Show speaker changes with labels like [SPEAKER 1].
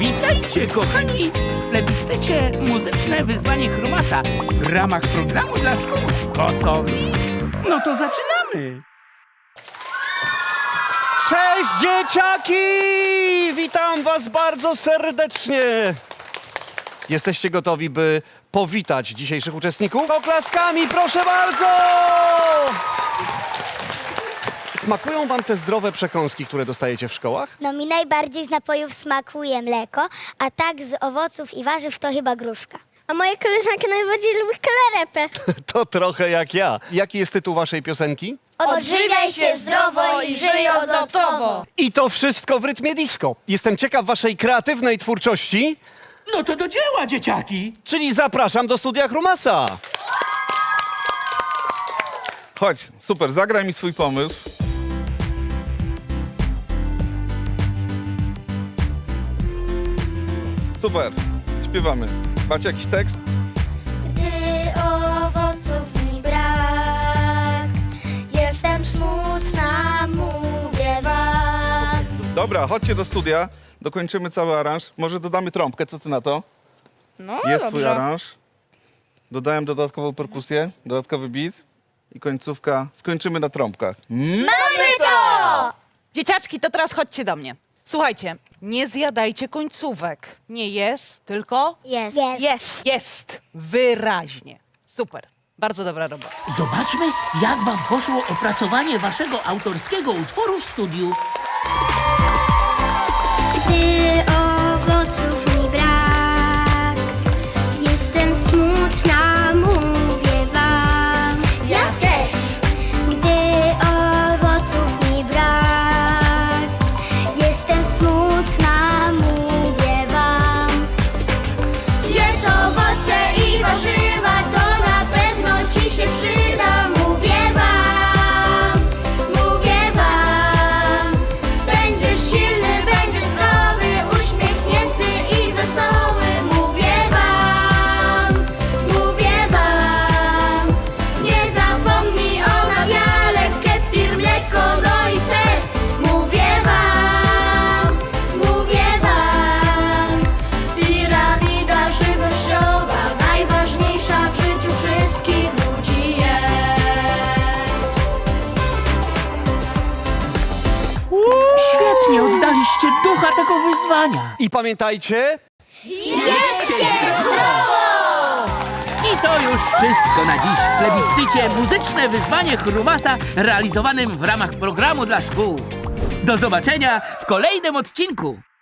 [SPEAKER 1] Witajcie, kochani, w plebiscycie Muzyczne Wyzwanie Chrumasa w ramach programu dla szkół. Gotowi? No to zaczynamy!
[SPEAKER 2] Cześć dzieciaki! Witam was bardzo serdecznie! Jesteście gotowi, by powitać dzisiejszych uczestników? Oklaskami, proszę bardzo! Smakują wam te zdrowe przekąski, które dostajecie w szkołach?
[SPEAKER 3] No mi najbardziej z napojów smakuje mleko, a tak z owoców i warzyw to chyba gruszka. A moja koleżanka najbardziej lubi kalarepę.
[SPEAKER 2] To trochę jak ja. Jaki jest tytuł waszej piosenki?
[SPEAKER 3] Odżywiaj się zdrowo i żyj odlotowo.
[SPEAKER 2] I to wszystko w rytmie disco. Jestem ciekaw waszej kreatywnej twórczości,
[SPEAKER 1] No to do dzieła, dzieciaki!
[SPEAKER 2] czyli zapraszam do studia Chrumasa.
[SPEAKER 4] Chodź, super, zagraj mi swój pomysł. Super, śpiewamy. Macie jakiś tekst?
[SPEAKER 3] Gdy owoców mi brak, jestem smutna, mówię wam.
[SPEAKER 4] Dobra, chodźcie do studia, dokończymy cały aranż. Może dodamy trąbkę, co ty na to?
[SPEAKER 5] No,
[SPEAKER 4] Jest
[SPEAKER 5] dobrze.
[SPEAKER 4] twój aranż. Dodałem dodatkową perkusję, dodatkowy beat i końcówka. Skończymy na trąbkach.
[SPEAKER 3] Mamy to!
[SPEAKER 5] Dzieciaczki, to teraz chodźcie do mnie. Słuchajcie, nie zjadajcie końcówek. Nie jest, tylko
[SPEAKER 3] Jest.
[SPEAKER 5] jest. Wyraźnie. Super. Bardzo dobra robota.
[SPEAKER 1] Zobaczmy, jak wam poszło opracowanie waszego autorskiego utworu w studiu.
[SPEAKER 3] Gdy owoców mi brak, jestem smutna, mówię wam. Ja też. Gdy owoców mi brak, jestem smutna, mówię wam. Jedz owoce i warzywa, to na pewno ci się przyda, mówię wam. Mówię wam. Będziesz silny, będziesz zdrowy, uśmiechnięty i wesoły. Mówię wam, mówię wam. Nie zapomnij o nawiale, kefir, mleko, no i ser. Mówię wam, mówię wam. Piramida żywnościowa, najważniejsza w życiu wszystkich ludzi jest.
[SPEAKER 1] Świetnie oddaliście ducha tego wyzwania.
[SPEAKER 2] I pamiętajcie,
[SPEAKER 1] I to już wszystko na dziś w plebiscycie Muzyczne Wyzwanie Chrumasa realizowanym w ramach programu dla szkół. Do zobaczenia w kolejnym odcinku.